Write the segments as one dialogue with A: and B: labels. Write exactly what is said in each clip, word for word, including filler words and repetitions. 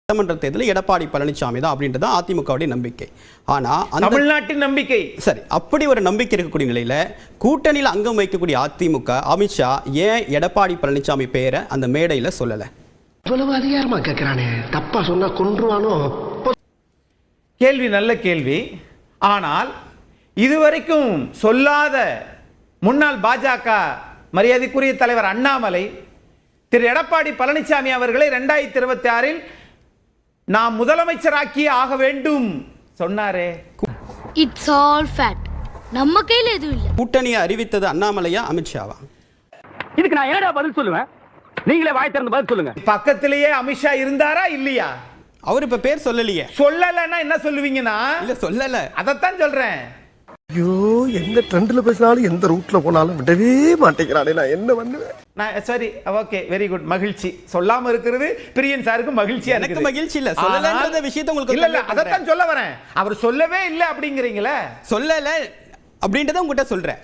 A: சட்டமன்ற தேர்தலில் எடப்பாடி பழனிசாமி தான் அப்படின்றது அதிமுகவுடைய நம்பிக்கை. ஆனா
B: தமிழ்நாட்டின் நம்பிக்கை
A: சரி, அப்படி ஒரு நம்பிக்கை இருக்கக்கூடிய நிலையில கூட்டணியில் அங்கம் வைக்கக்கூடிய அதிமுக அமித்ஷா ஏன் எடப்பாடி பழனிசாமி பெயரை அந்த மேடையில சொல்லல?
C: இவ்வளவு அதிகாரமா கேட்கிறானே, தப்பா சொன்னா கொன்றுவானோ?
B: கேள்வி நல்ல கேள்வி. ஆனால் இதுவரைக்கும் சொல்லாத முன்னாள் பாஜக மரியாதைக்குரிய தலைவர் அண்ணாமலை திரு எடப்பாடி பழனிசாமி அவர்களை இரண்டாயிரத்தி இருபத்தி ஆறில் நாம் முதலமைச்சராக்கி ஆக வேண்டும் சொன்னாரே.
D: It's all fact. நம்ம கையில எதுவும் இல்ல.
A: கூட்டணியை அறிவித்தது அண்ணாமலையா அமித்ஷாவா?
E: இதுக்கு நான் என்னடா பதில் சொல்லுவேன்? நீங்களே வாய் திறந்து பதில் சொல்லுங்க.
B: பக்கத்திலேயே அமித்ஷா இருந்தாரா இல்லையா?
A: அவர் இப்ப பேர் சொல்லலையே.
B: சொல்லலன்னா என்ன சொல்லுவீங்கன்னா?
A: இல்ல சொல்லல,
B: அதத்தான் சொல்றேன்.
C: ஐயோ, எந்த ட்ரெண்ட்ல பேசினாலும் எந்த ரூட்ல போனாலும் விடவே மாட்டேங்கிறானே, நான் என்ன பண்ணுவேன்?
B: நான் சரி, ஓகே, வெரி குட். மகிழ்ச்சி. சொல்லாம இருக்கிறது பிரியன் சாருக்கு மகிழ்ச்சியா
A: எனக்கு
B: இருக்குது.
A: மகிழ்ச்சி இல்ல, சொல்லலன்ற விஷயத்தை உங்களுக்கு
B: இல்ல இல்ல, அதத்தான் சொல்ல வரேன். அவர் சொல்லவே இல்ல அப்படிங்கறீங்களே.
A: சொல்லல அப்படின்றத உங்ககிட்ட சொல்றேன்.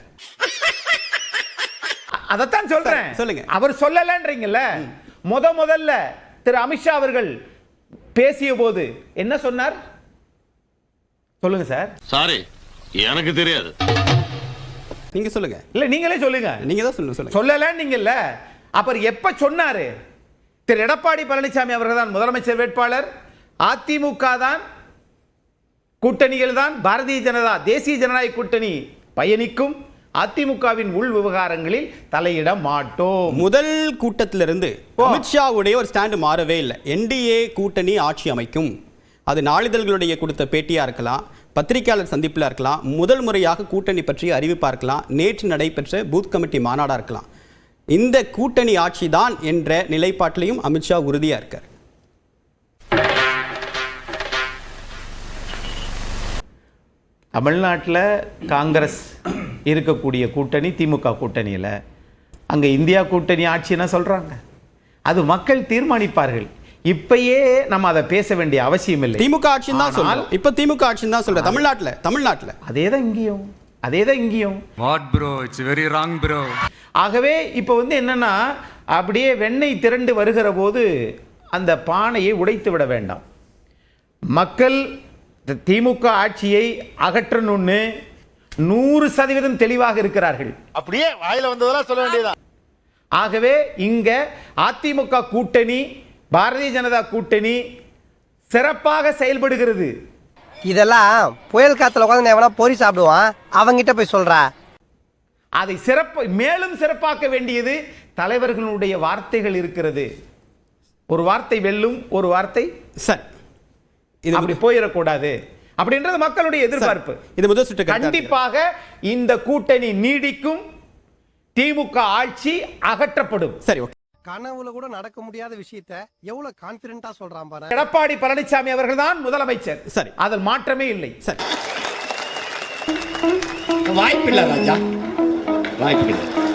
B: அதத்தான் சொல்றேன்.
A: சொல்லுங்க.
B: அவர் சொல்லலன்றீங்கல்ல. முத முதல்ல திரு அமித்ஷா அவர்கள் பேசிய போது என்ன சொன்னார் சொல்லுங்க சார்.
F: சாரி, எனக்கு தெரியாது.
A: நீங்க சொல்லுங்க.
B: இல்ல நீங்களே சொல்லுங்க.
A: நீங்க தான் சொல்லுங்க. சொல்லுங்க.
B: சொல்லல நீங்கல்ல. அப்புறம் எப்ப சொன்னாரு? திரு எடப்பாடி பழனிசாமி அவர்கள் தான் முதலமைச்சர் வேட்பாளர், அதிமுக தான், கூட்டணிகள் தான், பாரதிய ஜனதா தேசிய ஜனநாயக கூட்டணி பயணிக்கும், அதிமுகவின் உள் விவகாரங்களில் தலையிட மாட்டோம்.
A: முதல் கூட்டத்திலிருந்து அமித்ஷாவுடைய ஒரு ஸ்டாண்ட் மாறவே இல்லை. என்டிஏ கூட்டணி ஆட்சி அமைக்கும். அது நாளிதழ்களுடைய கொடுத்த பேட்டியா இருக்கலாம், பத்திரிகையாளர் சந்திப்பில் இருக்கலாம், முதல் முறையாக கூட்டணி பற்றி அறிவிப்பா இருக்கலாம், நேற்று நடைபெற்ற பூத் கமிட்டி மாநாடா இருக்கலாம். இந்த கூட்டணி ஆட்சி தான் என்ற நிலைப்பாட்டிலையும் அமித்ஷா உறுதியா இருக்கார்.
B: தமிழ்நாட்டில் காங்கிரஸ் இருக்கக்கூடிய கூட்டணி திமுக கூட்டணியில், அங்கே இந்தியா கூட்டணி ஆட்சின்னு சொல்றாங்க. அது மக்கள் தீர்மானிப்பார்கள். இப்பயே நம்ம அதை பேச வேண்டிய அவசியம் இல்லை.
A: திமுக ஆட்சி தான் சொல்றோம். இப்ப திமுக ஆட்சி தான் சொல்ற. தமிழ்நாட்டுல தமிழ்நாட்டுல
B: அதேதான் இங்கேயும் அதேதான் இங்கேயும்.
G: What bro, it's very wrong bro.
B: ஆகவே இப்போ வந்து என்னன்னா, அப்படியே வெண்ணெய் திரண்டு வருகிற போது அந்த பானையை உடைத்து விட வேண்டாம். மக்கள் திமுக ஆட்சியை அகற்றணும்னு நூறு சதவீதம் தெளிவாக இருக்கிறார்கள்.
F: அப்படியே வாயில வந்ததெல்லாம் சொல்ல வேண்டியதா.
B: ஆகவே இங்க அதிமுக கூட்டணி, பாரதிய ஜனதா கூட்டணி சிறப்பாக செயல்படுகிறது.
H: இதெல்லாம் புயல் காத்துல உட்காந்து எவனா பொறி சாப்பிடுவான், அவங்கிட்ட போய் சொல்றா.
B: அதை சிறப்பு மேலும் சிறப்பாக்க வேண்டியது தலைவர்களுடைய வார்த்தைகள் இருக்கிறது. ஒரு வார்த்தை வெல்லும், ஒரு வார்த்தை
A: சரி,
B: இது அப்படி போயிடக்கூடாது அப்படின்றது மக்களுடைய எதிர்பார்ப்பு.
A: இது முதல் சுற்று.
B: கண்டிப்பாக இந்த கூட்டணி நீடிக்கும், திமுக ஆட்சி அகற்றப்படும்.
A: சரி, ஓகே.
C: கனவுல கூட நடக்க முடியாத விஷயத்தை எவ்வளவு கான்பிடென்ட்டா சொல்றான் பாரு.
B: எடப்பாடி பழனிசாமி அவர்கள் தான் முதலமைச்சர்.
A: சரி,
B: அதில் மாற்றமே இல்லை.
A: சரி,
I: வாய்ப்பில்லை ராஜா, வாய்ப்பில்லை.